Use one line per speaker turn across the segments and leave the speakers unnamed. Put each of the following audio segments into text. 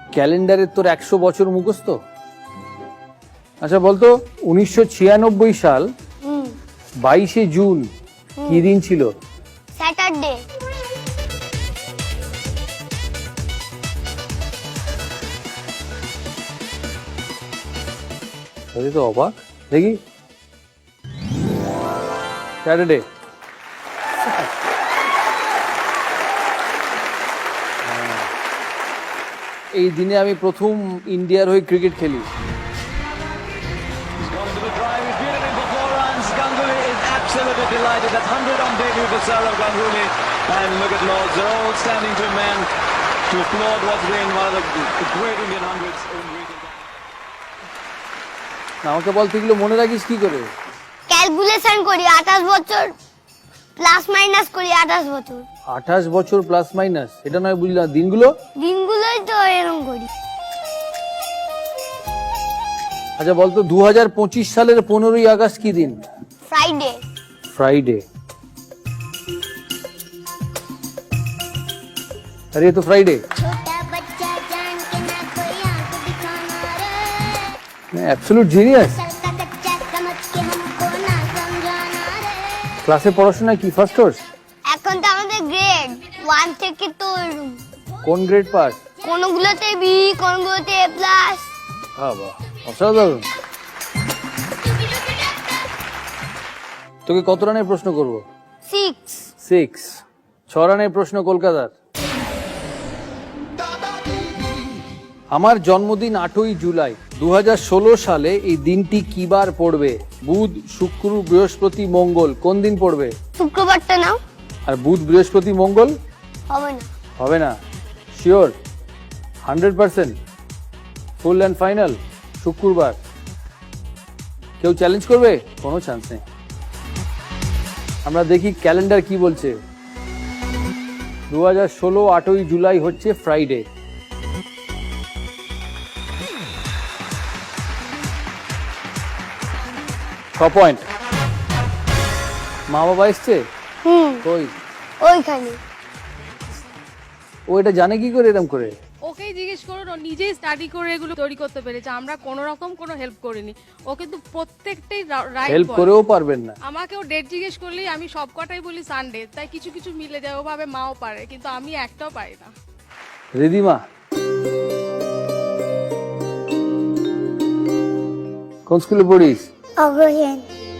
ক্যালেন্ডারের তোর 100 বছর মুখস্থ? আচ্ছা বলতো 1996 সাল 22শে জুন কি দিন ছিল?
স্যাটারডে।
তো অবাক দেখি। স্যাটারডে। এই দিনে আমি প্রথম ইন্ডিয়ার হয়ে ক্রিকেট খেলি।
Absolutely delighted. That's 100 on debut for Saurav Ganguly. And look at Lords, they're all standing to a man to applaud what's been one of the great Indian hundreds in recent times.
আমাকে বল, তুই এগুলো মনে রাখিস কি করে?
Calculation করি, 28 বছর plus minus করি 28 বছর।
28 বছর প্লাস মাইনাস, এটা নয় বুঝলাম।
দিনগুলোই তো এরকম করি।
আচ্ছা বলতো 2025 সালের 15ই আগস্ট কি দিন?
ফ্রাইডে।
फ्राइडे। अरे ये तो फ्राइडे।
छोटा बच्चा जान के ना कोई आंख दिखाना रे।
Absolute genius.
चलता कच्चा समझ के हमको ना समझाना रे।
ক্লাসে পড়াশোনা কি ফার্স্ট কোর্স?
এখন তো আমাদের গ্রেড 1 থেকে তো
কোন গ্রেড পাস?
কোনগুলোতে বি, কোনগুলোতে এ প্লাস।
হ্যাঁ বাহ, অসাধারণ। তোকে কত রানের প্রশ্ন করব?
6।
6 রানের প্রশ্ন কলকাতার। আমার জন্মদিন 8ই জুলাই। 2016 সালে এই দিনটি কি বার পড়বে? বুধ, শুক্র, বৃহস্পতি, মঙ্গল। কোন দিন পড়বে?
শুক্রবারটা নাও।
আর বুধ, বৃহস্পতি, মঙ্গল
হবে না।
হবে না? শিওর? 100% full and final? শুক্রবার। কেউ চ্যালেঞ্জ করবে? কোনো চান্স নেই। আমরা দেখি ক্যালেন্ডার কি বলছে। 2016 8ই জুলাই হচ্ছে ফ্রাইডে। পয়েন্ট। মা বাবা এসছে? কই?
ওইখানে।
ও এটা জানে কি করে এরকম করে?
ওকেই জিজ্ঞেস করুন, ও নিজেই স্টাডি করে এগুলো তৈরি করতে পেরেছে। আমরা কোনো রকম কোনো হেল্প করিনি। ও কিন্তু প্রত্যেকটাই রাইট।
হেল্প করেও পারবেন না।
আমাকেও ডেট জিজ্ঞেস করলেই আমি সব কটাই বলি সানডে, তাই কিছু কিছু মিলে যায়। ওভাবে মাও পারে, কিন্তু আমি একটাও পারি না।
রিদিমা কোন স্কুলে পড়িস?
অগ্রসেন।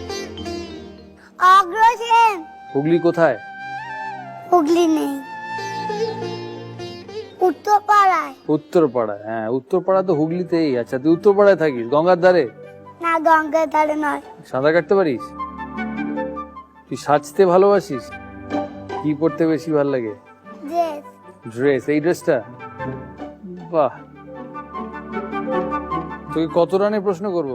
অগ্রসেন।
হুগলি কোথায়?
হুগলি নেই, উত্তরপাড়ায়।
উত্তরপাড়ায়। হ্যাঁ, উত্তরপাড়া তো হুগলিতেই। আচ্ছা, তুই উত্তরপাড়ায় থাকিস? গঙ্গার ধারে?
না, গঙ্গার ধারে নয়।
সাঁতার কাটতে পারিস? তুই সাজতে ভালোবাসিস? কি পড়তে বেশি ভালো লাগে?
ড্রেস।
ড্রেস। এই ড্রেসটা বাহ। তোকে কত রানের প্রশ্ন করব?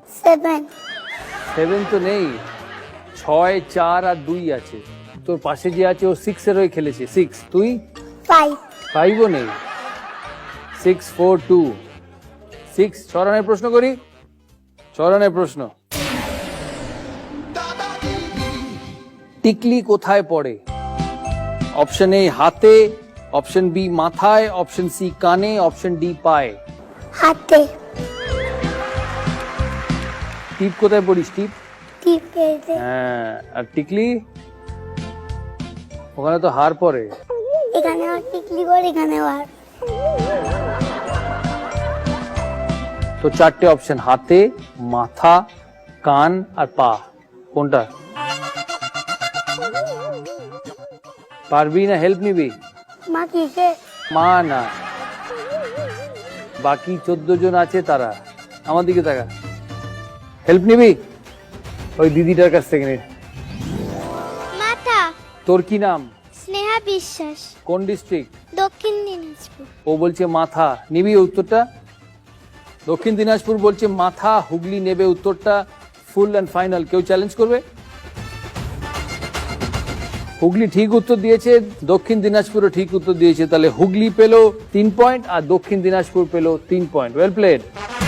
7
তো নেই, 6, 4 আর 2 আছে। তোর পাশে যে আছে ও 6 এর হয়ে খেলেছে। 6। তুই? 5 ও নেই। 6, 4, 2, 6। 6 রানের প্রশ্ন করি। 6 রানের প্রশ্ন। টিকলি কোথায় পড়ে? অপশন এ হাতে, অপশন বি মাথায়, অপশন সি কানে, অপশন ডি পায়ে।
হাতে।
টিপ কোথায় পড়িস? টিপ?
টিপেতে।
হ্যাঁ, আর টিকলি? ওখানে তো হার পড়ে।
এখানে আর টিকলি পড়ে, এখানে আর।
তো 4টে অপশন, হাতে, মাথা, কান আর পা। কোনটা? পারবি না হেল্প নিবি?
মা কিসে?
মা না, বাকি 14 জন আছে তারা। আমার দিকে তাকা। হেল্প নিবি? ওই দিদিটার কাছ থেকে নে।
মাথা।
তোর কি নাম?
স্নেহা বিশ্বাস।
কোন ডিস্ট্রিক্ট?
দক্ষিণ দিনাজপুর।
ও বলছে মাথা। নিবি উত্তরটা? দক্ষিণ দিনাজপুর বলছে মাথা। হুগলি নেবে উত্তরটা। Full and final. কেউ চ্যালেঞ্জ করবে? হুগলি ঠিক উত্তর দিয়েছে, দক্ষিণ দিনাজপুরও ঠিক উত্তর দিয়েছে। তাহলে হুগলি পেল 3 পয়েন্ট আর দক্ষিণ দিনাজপুর পেল 3 point. Well played.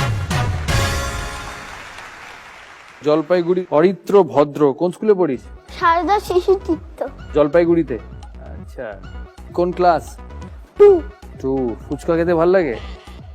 Jalpaiguri Aritra Bhadra কোন স্কুলে পড়িস?
সারদা শিশু তীর্থ।
জলপাইগুড়িতে। আচ্ছা, কোন ক্লাস? 2। ফুচকা খেতে ভালো লাগে?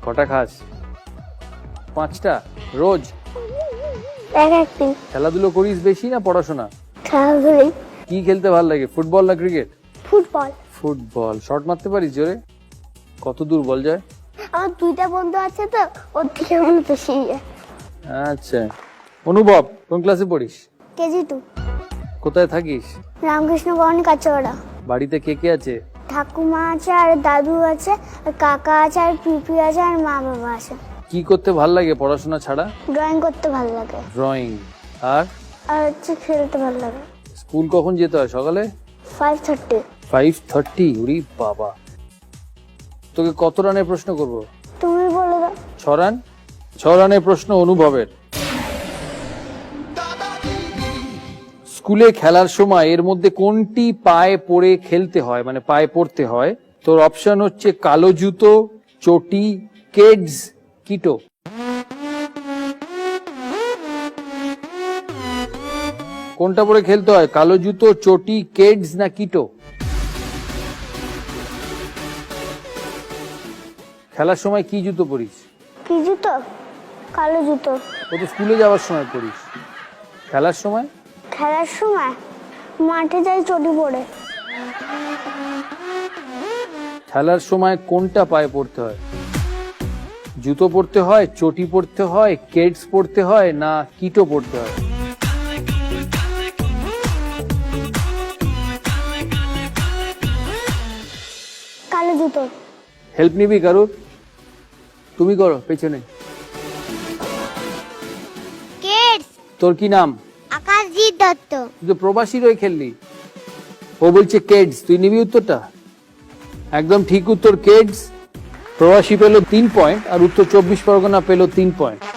কটা খাস? 5টা রোজ?
একদিন
খেলাধুলো করিস বেশি না পড়াশোনা?
খেলাধুলাই।
কি খেলতে ভালো লাগে, ফুটবল না ক্রিকেট?
ফুটবল।
ফুটবল। শট মারতে পারিস জোরে? কত দূর বল যায়?
আমার 2টা বন্ধু আছে তো, ওর থেকে মনে বেশি।
আচ্ছা। অনুভব, কোন ক্লাসে পড়িস?
কেজি 2।
কোথায় থাকিস?
রামকৃষ্ণ ভবন কাঁচড়া।
বাড়িতে কে কে আছে?
ঠাকুমা আছে আর দাদু আছে আর কাকা আছে আর পিপি আছে আর মা বাবা আছে।
কি করতে ভাল লাগে পড়াশোনা ছাড়া?
ড্রয়িং করতে ভালো লাগে
ড্রয়িং। আর
আর হচ্ছে খেলতে ভালো লাগে।
স্কুল কখন যেতে হয়? সকালে
5:30।
5:30? ওরে বাবা। তোকে কত রানের প্রশ্ন করব?
তুমি বলে দাও।
6 রান। 6 রানের প্রশ্ন অনুভবের। স্কুলে খেলার সময় এর মধ্যে কোনটি পায়ে পরে খেলতে হয়, মানে পায়ে পড়তে হয়? তোর অপশন হচ্ছে কালো জুতো, চটি, কেডস, কিটো। কোনটা পরে খেলতে হয়, কালো জুতো, চটি, কেডস না কিটো? খেলার সময় কি জুতো পরিস?
কি জুতো? কালো জুতো।
ও তো স্কুলে যাওয়ার সময় পরিস। খেলার সময়?
খেলার সময় মাঠে যাই চটি পরে।
খেলার সময় কোনটা পায়ে পড়তে হয়? জুতো পরতে হয়, চটি পরতে হয়, কেডস পরতে হয় না কিটো পরতে হয়?
কালো জুতো।
হেল্প নিবি কারুর? তুমি করো পেছনে।
কেডস।
তোর কি নাম?
আকাশজিৎ দত্ত।
তুই তো প্রবাসী রয়ে খেললি। ও বলছে কেডস, তুই নিবি উত্তরটা? একদম ঠিক উত্তর কেডস। প্রবাসী পেল 3 পয়েন্ট আর উত্তর 24 পরগনা পেল 3 পয়েন্ট।